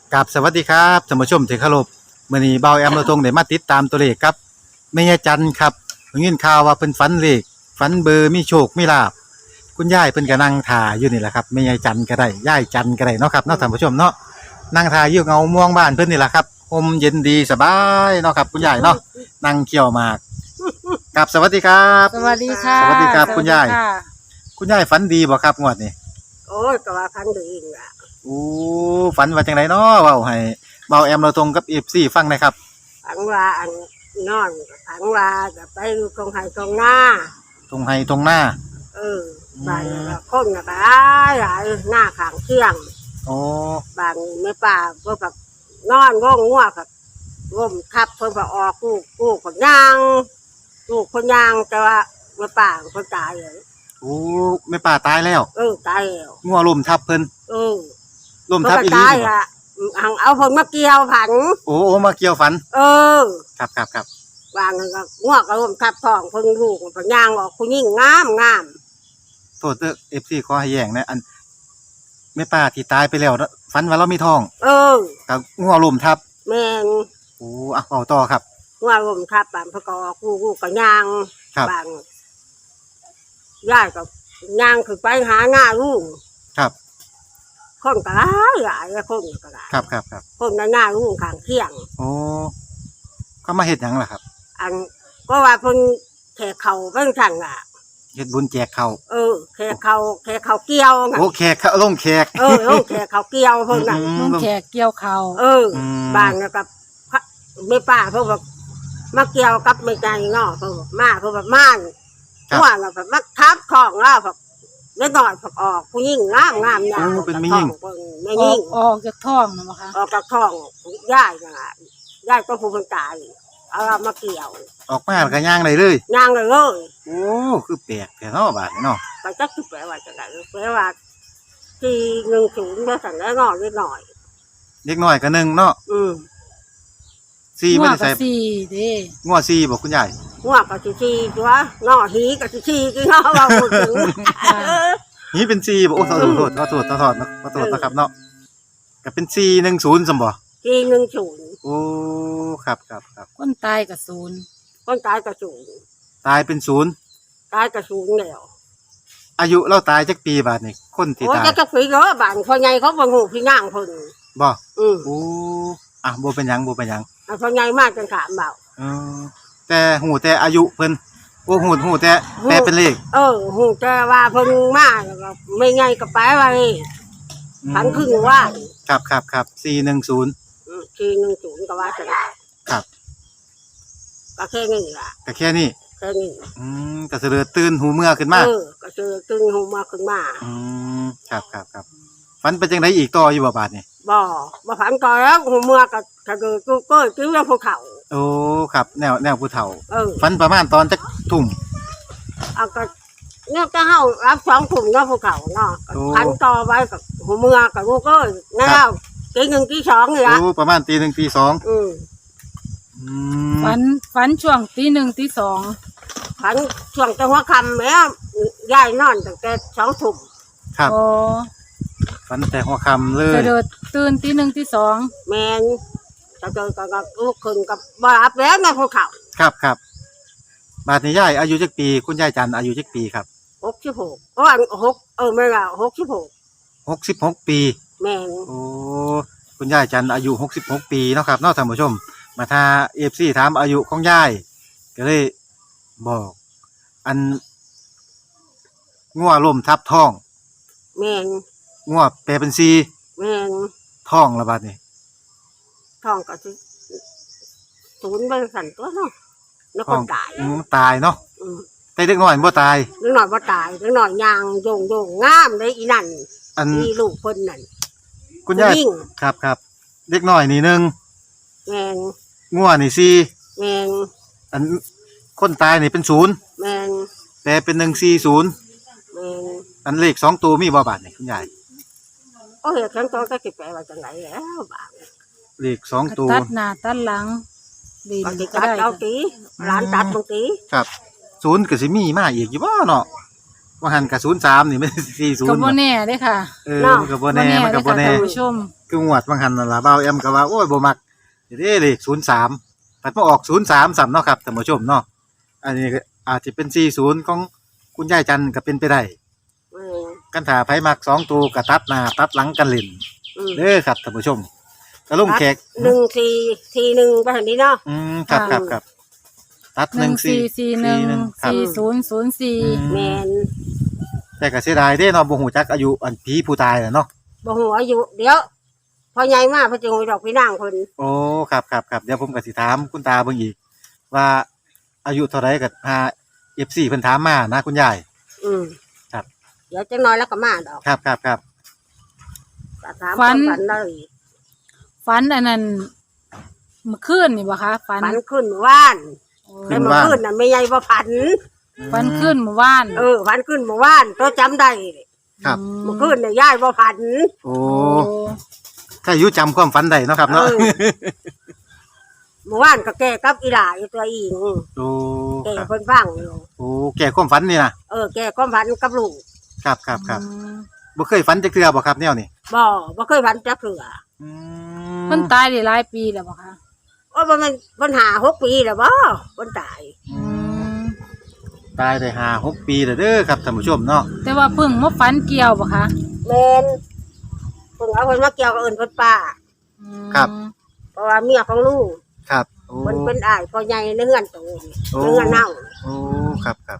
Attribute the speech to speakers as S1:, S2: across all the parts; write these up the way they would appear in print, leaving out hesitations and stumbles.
S1: กับสวัสดีครับท่านผู้ชมที่เคารพมื้อนี้เบาแอมเราทงได้มาติดตามตัวเลขครับแม่ยายจันครับได้ยินข่าวว่าเพิ่นฝันเลขฝันเบอร์มีโชคมีลาภคุณยายเพิ่นก็นั่งท่าอยู่นี่แหละครับแม่ยายจันก็ได้ยายจันก็ได้เนาะครับเนาะท่านผู้ชมเนาะนั่งท่าอยู่เงาม่วงบ้านเพิ่นนี่แหละครับลมเย็นดีสบายเนาะครับคุณยายเนาะนั่งเคี่ยวหมากกับสวัสดีครับ
S2: สวัสดีค่ะ
S1: สวัสดีครับคุณยาย
S2: สวัสดีค่ะ
S1: คุณยายฝันดีบ่ครับงวดนี้
S3: โอ้ยก็ว่าพันดีล่ะ
S1: โอ้ฝันว่าจังไดเนาะเว้าให้เบาแอมเราตรงกับ FC ฟังหนะครับ
S3: พังว่าอันนอนพังว่าจะไปอยู่ตรงไห้ตรงหน้า
S1: ตรงไห้ตรงหน้า
S3: บ้านก็คนก็หลายหลายหน้าข้างเที่ยง
S1: โอ้
S3: บางไม่ป่าก็แบบนอนง่วงงัวกับร่มทับเพิ่นก็ออกลูกคนย่างลูกคนย่างแต่ว่าไม่ป่าคนตายเลย
S1: โอ้แม่ป่าตายแล้ว
S3: ตายแล้ว
S1: งัวลมทับเพิ่นลม
S3: เพิ่น
S1: ทับ
S3: ก็
S1: อีหลี
S3: ตาย
S1: นี่บ่
S3: อ่ะหังเอาเพิ่นมาเกี่ยวผัน
S1: โอ้มาเกี่ยวฝัน ครับ
S3: วางก็ง่วงก็ร่มทับท้องเพิ่นลูกคนย่างออกผู้หญิงงาม
S1: โทษเด้อ FC ขอให้แย้งนะอันแม่ป่าที่ตายไปแล้วนะฝันว่าเรามีท้องกับงัวลมทับ
S3: แม่น
S1: โอ้เอาต่อครับ
S3: ง่วงร่มทับบ้านเพิ่นก็ออกลูกก็ย่าง
S1: ครับ
S3: บางย่ายก็ย่างขึ้นไปหาหน้าลูก
S1: ครับ
S3: คนก็หลายคนก็หลาย
S1: ครับ
S3: คนหน้าลูกข้างเที่ยง
S1: โอ้เขามาเฮ็ดหยังล่ะครับ
S3: อันก็ว่าเพิ่นแขกเขาเพิ่นสั่งอ่ะ
S1: เฮ็ดบุญแจกข้าว
S3: แขกเขาเกี่ยวไง
S1: โอ้แขกเขาลงแขก
S3: ลงแขกเขาเกี่ยวเพิ่นน่ะ
S2: ลุงแขกเกี่ยวเขา
S3: บ้านแล้วก็ไม่ป้าเพิ่นแบบมาเกี่ยวกับไม่ใจเนาะเพิ่นมาเพิ่นแบบม่าน
S1: ครับ
S3: ว่าแล้วแบบมาทับของแล้วแบบเล็กน้อยออกผู้หญิงงามอย่าง
S1: เป็นไม่ยิ่ง
S3: ไม่ยิ่ง
S2: ออกจากท้องนะมั้งคะ
S3: ออกจากท้องย่ายน่ะย่ายก็ผู้คนตายเอามาเกี่ยว
S1: ออกมาแล้วก็ย่างได้เลย
S3: ย่างเลย
S1: โอ้คือแปลกแท้เนาะบาดนี้เนาะ
S3: ก็จักสิแปลว่าจังได๋แปลว่าที่10แล้วสั่นแล้วน้อยนิดหน่อย
S1: เด็กน้อยก็หนึ่งเนาะ 4
S2: หั
S1: บ่
S2: ว
S1: ได้
S2: กั
S1: ใส่
S2: บสี่เด้
S1: งัว4บ่คุณยาย
S3: หัวก็สิตัวน้อหีก็สิกินเนาะว่าพูดถึง
S1: นี่เป็น4บ่โอ้ขอโทษนะครับเนาะก็เป็น410ซั่นบ่
S3: 410
S1: โอ้ครับ
S2: คนตายกับศูนย์
S3: คนตายก็สูง
S1: ตายเป็น0
S3: ตายก็สูงแล้ว
S1: อายุเราตายจักปีบาดนี้คนที่
S3: โอ้
S1: ตาย
S3: จะคุยเนาะบ้านพ่อใหญ่เขาบ่ฮู้พี่ย่างเพิ่น
S1: บ่
S3: อือ
S1: โอ้บ่เป็นหยัง
S3: พ่อใหญ่มากจนถามเบา
S1: เออแต่หูแต่อายุเพิ่นโอ้หูแต่แปลเป็นเลข
S3: ฮู้แต่ว่าเพิ่นมาแล้วก็ไม่ไงก็ไปไว้พันครึ่งว่า
S1: ครับ410
S3: 410ก็ว่าจังได๋
S1: ครับ
S3: ก็แค่นี้ล่ะ
S1: ก็แค่นี้
S3: แค่นี้
S1: ก็เสลือตื่นหูเมื่อขึ้นมา
S3: ก็เจอตึงหูมาขึ้นมา
S1: ครับฝันเป็นจังไดอีกต่ออยู่บ่บาดนี่
S3: บ่พันก็แล้วหูเมื่อก็ถ้าเกิดก็กิ้วภูเขา
S1: โอ้ครับแนวผู้เฒ่า
S3: เออ
S1: ฝันประมาณตอนจักทุ่ม
S3: เอาก็เนี่ยก็เฮารับ2ถุงเนาะภูเขาเนาะ
S1: โอ้
S3: พันต่อไว้กับหูเมื่อกับลูกเอ้ยแล้วตี1ตี2นี่ล่ะ
S1: โอ้ประมาณตี 1ตี 2อืม
S2: ฝันช่วงตีหนึ่งตีสอง
S3: พันช่วงจังหวะค่ำแม่ยายนอนตั้งแต่2ทุ่ม
S1: ครับ
S2: โอ้
S1: ฝันแต่หัวค่ำเล
S2: จะ
S1: ย
S2: เดินตื่นตีหนึ่งตีสอง
S3: แม่นจะเจอก็ลูกขึ้นกับบ่รับแล้วในภูเขา
S1: ครับบาดนี้ยายอายุจักปีคุณยายจันทร์อายุจักปีครับ
S3: 66โอ้อัน6ไม่ล่ะ66
S1: 66 ปี
S3: แม่น
S1: โอ้คุณยายจันทร์อายุ66 ปีเนาะครับเนาะท่านผู้ชม มาถ้า FC ถามอายุของยายก็เลยบอก อันงัวล้มทับท้อง
S3: แม่น
S1: งัวแปลเป็น4
S3: แม่น
S1: ท้องละบาดนี้
S3: ท้องก็สิศูนย์ไปสั่นตัวเนาะแล้ว
S1: ท้
S3: ค
S1: อง
S3: นตาย
S1: ตายเนาะ
S3: อืม
S1: แต่เด็กน้อยบ่ตาย
S3: เล็กน้อยบ่ตายเล็กน้อยย่างโยงงามเลยอีนั่น
S1: อัน
S3: อีลูกเพิ่นนั่น
S1: คุณยาย
S3: ผู้หญิง
S1: ครับเด็กน้อยนี่หนึ่ง
S3: แม่น
S1: งัวนี่4
S3: แม่น
S1: อันคนตายนี่เป็น0
S3: แม่น
S1: แปลเป็น140
S3: แม่น
S1: อันเลข2ตัวมีบ่บาดนี่คุณยาย
S3: โอ้ยฉันตัวก็สิแปลว่าจังไดแล้วบาด
S1: เลข2ตัว
S2: ตัดหน้าตัดหลังดิน
S3: ก็สิ
S2: ก็
S3: ตัด
S2: ได้
S3: เอาตีร้านตัดบางตี
S1: ครับ0ก็สิมีมาอีกอยู่บ่เนาะว่าหันกับ03นี่ไม่
S2: ก็บ่
S1: 40
S2: แน่เด้ค่ะ
S1: มันก็บ่แน่
S2: เด้อค่ะท่านผู้ชม
S1: คืองวดบางหันนั่นล่ะบ่าวแอมก็ว่าโอ้ยบ่มักเด้เลข03ปัดมาออก03ซ้ำเนาะครับท่านผู้ชมเนาะอันนี้ก็อาจจะเป็น40ของคุณยายจันทร์ก็เป็นไปได้
S3: อืม
S1: กันถ้าไผมัก2ตัวก็ตัดหน้าตัดหลังกันเล่น
S3: อืม
S1: เด้อครับท่านผู้ชมก็ลงแขก
S3: 1 4 4 1ไปทางนี้เนาะ
S1: ครับครับครับตัด
S2: 1441
S1: ครับ
S2: 4004
S3: แมน
S1: แต่ก็เสียดายเด้เนาะบ่ฮู้จักอายุอันผีผู้ตายน่ะเนาะ
S3: บ่ฮู้อายุเดี๋ยวพอใหญ่มาเพิ่นจะงดอกพี่นางเพิ่น
S1: โอ้ครับครับครับเดี๋ยวผมก็สิถามคุณตาเบิ่งอีกว่าอายุเท่าไรก็หา FC เพิ่นถามมานะคุณยาย
S3: อืม
S1: ครับ
S3: เดี๋ยวจังน้อยแล้วก็มาดอก
S1: ครับครับครับ
S3: ก็ถามความฝันเลย
S2: ฝันอันนั้นเมื่อคืนนี่บ่คะฝัน
S3: ฝันขึ้นว่าน
S2: โอ้
S3: แต่เมื่อคืนน่ะไม่ใหญ่บ่ฝัน
S2: ฝันคืนเมื่อวาน
S3: ฝันขึ้นเมื่อวานตัวจำได้
S1: ครับ
S3: เมื่อคืนน่ะยายบ่ฝัน
S1: โอ้
S2: โอ้
S1: ถ้าอายุจำความฝันได้เนาะครับ
S3: เอ
S1: เนาะ
S3: อเมื่อวานก็แก้กับอีหลาอยู่ตัวอิง
S1: โอ้
S3: แก้
S1: ครับ
S3: เพิ่นฟังอยู่
S1: โอ้แก่ความฝันนี่นะ
S3: แก้ความฝันกับลูก
S1: ครับครับครับ
S2: อืม
S1: บ่เคยฝันจักเทื่อบ่ครับแนวนี้
S3: บ่เคยฝันจักเทื่อ
S1: อืม
S2: เพิ่นตายได้หลายปีแล้วบ่คะ
S3: บ่แม่นปัญหา6 ปีแล้วบ่เพิ่นตาย
S1: อืมตายได้5-6 ปีแล้วเด้อครับท่านผู้ชมเนาะ
S2: แต่ว่าเพิ่งมาฝันเกี่ยวบ่คะ
S3: แม่นเพิ่นเอาเพิ่นมาเกี่ยวกับเอิ้นเพิ่นป้า
S2: อืม
S3: เพราะว่าเมียของลูก
S1: ครับโอ้
S3: เพิ่นเป็นอ้ายพ่อใหญ่ในเฮือนโตนี่
S1: โอ้
S3: ในเฮือนเฮา
S1: โอ้ครับครับ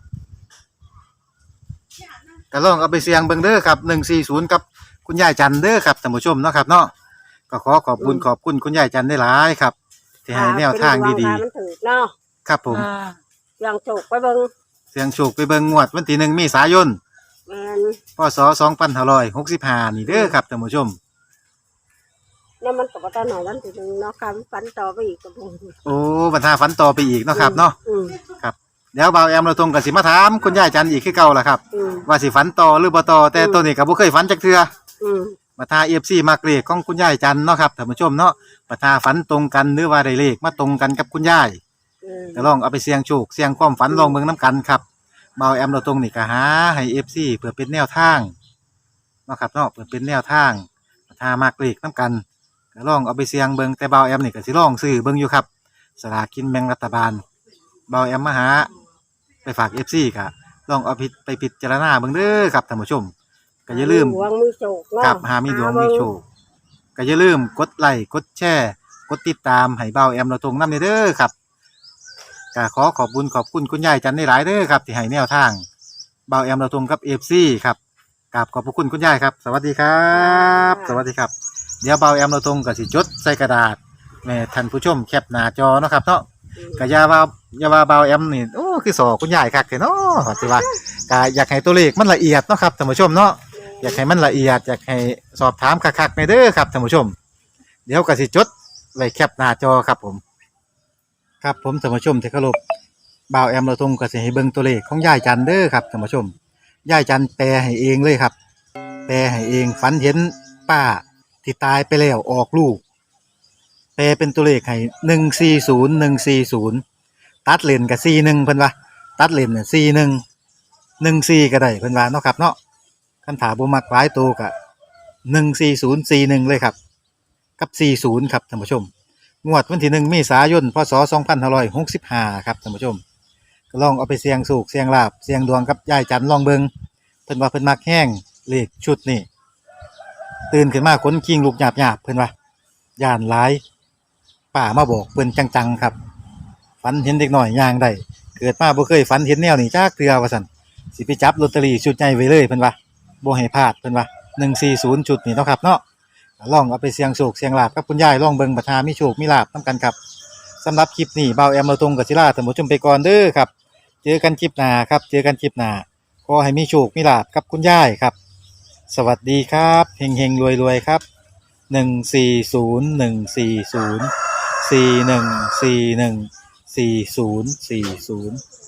S1: ก็ลองเอาไปเสี่ยงเบิ่งเด้อครับ140กับคุณยายจันทร์เด้อครับท่านผู้ชมเนาะครับเนาะก็ขอขอบคุณขอบคุณคุณยายจันทร์ได้หลายครับที่ให้แนวทางดี
S3: ๆมันถูกเนาะ
S1: ๆครับผม
S2: อ่า
S3: อย่างโจกไปเบิ่ง
S1: เสียงโชคไปเบิ่งงวดวันที่1เมษายน
S3: แม่น
S1: พศ2565นี่เด้อครับท่านผู้ชม
S3: แล้วมันก็บ่ทันหน่อยวันที่หนึ่งเนาะคำฝันต่อไปอีกก็บ่
S1: โอ้บรรทาฝันต่อไปอีกเนาะครับเนาะ
S3: อืม
S1: เดี๋ยวบ่าวแอมเราตรงกับสิมาถามคุณยายจันทร์อีกคือเก่าล่ะครับ
S3: อืม
S1: ว่าสิฝันต่อหรือบ่ต่อแต่ตัวนี้ก็บ่เคยฝันจักเทื่อ
S3: อืม
S1: มาทา FC มักเลขของคุณยายจันทร์เนาะครับท่านผู้ชมเนาะมาทาฝันตรงกันหรือว่าได้เลขมาตรงกันกับคุณยาย
S3: อืม
S1: ก็ลองเอาไปเสี่ยงโชคเสี่ยงความฝันลองเบิ่งนํกันครับบ่าวแอมเราตรงนี่ก็หาให้ FC เพื่อเป็นแนวทางเนาะครับเนาะเพื่อเป็นแนวทางมาทามักเลขนํกันก็ลองเอาไปเสี่ยงเบิ่งแต่บ่าวแอมนี่ก็สิลองซื้อเบิ่งอยู่ครับสลากกินแบ่งรัฐบาลบ่าวแอมมาหาไปฝาก FC ก็ลองเอาไปพิจารณาเบิ่งเด้อครับท่านผู้ชมก็อย่าลืม
S3: หวงมีโจกเนาะ
S1: ครับหามีดวงมีโชคก็อย่าลืมกดไลค์กดแชร์กดติดตามให้เบาแอมเราตรงน้ำเด้อครับก็ขอขอบคุณคุณยายจันได้หลายเด้อครับที่ให้แนวทางเบาแอมเราตรงกับFCครับกราบขอบพระคุณคุณยายครับ สวัสดีครับ สวัสดีครับ เดี๋ยวเบาแอมเราตรงก็สิจดใส่กระดาษแม่ท่านผู้ชมแคปหน้าจอเนาะครับเนาะ
S3: อืม
S1: ก็อย่าว่าเบาแอมนี่โอ้คือสอคุณยายคักแท้เนาะว่าสิว่าก็อยากให้ตัวเลขมันละเอียดเนาะครับท่านผู้ชมเนาะ อยากให้มันละเอียดอยากให้สอบถามคักๆในเด้อครับท่านผู้ชม เดี๋ยวก็สิจดไว้แคปหน้าจอครับผม ครับผมท่านผู้ชมที่เคารพบ่าวแอมเราทงก็สิให้เบิ่งตัวเลขของยายจันเด้อครับท่านผู้ชมยายจันแปลให้เองเลยครับ แปลให้เองฝันเห็นป้าที่ตายไปแล้วออกลูก แปลเป็นตัวเลขให้140140ตัดเลนกับ41เพิ่นว่าตัดเลนน่ะ4114ก็ได้เพิ่นว่าเนาะครับเนาะ คันถาบ่มักหลายตัวก็14041เลยครับกับ40ครับท่านผู้ชมงวดวันที่1เมษายนพศ2565ครับท่านผู้ชมก็ลองเอาไปเสี่ยงโชคเสี่ยงลาภเสี่ยงดวงกับยายจันทร์ลองเบิงเพิ่นว่าเพิ่นมักแห้งเลขชุดนี่ตื่นขึ้นมาขนคิงลูกหยาบๆเพิ่นว่าย่านหลายป้ามาบอกเพิ่นจังๆครับฝันเห็นเด็กน้อยย่างได้เกิดมาบ่เคยฝันเห็นแนวนี้จักเทื่อว่าซั่นสิไปจับลอตเตอรี่ชุดใหญ่ไว้เลยเพิ่นว่า บ่ให้พลาดเพิ่นว่า140จุดนี่เนาะครับเนาะลองเอาไปเสี่ยงโชคเสี่ยงลาภกับคุณยายลองเบิ่งประทามีโชคมีลาภนํกันครับสำหรับคลิปนี้เบาแอมเราตรงกับศิลาท่านผู้ชมไปก่อนเด้อครับเจอกันคลิปหน้าครับเจอกันคลิปหน้าขอให้มีโชคมีลาภกับคุณยายครับสวัสดีครับเฮงๆรวยๆครับ14014041414040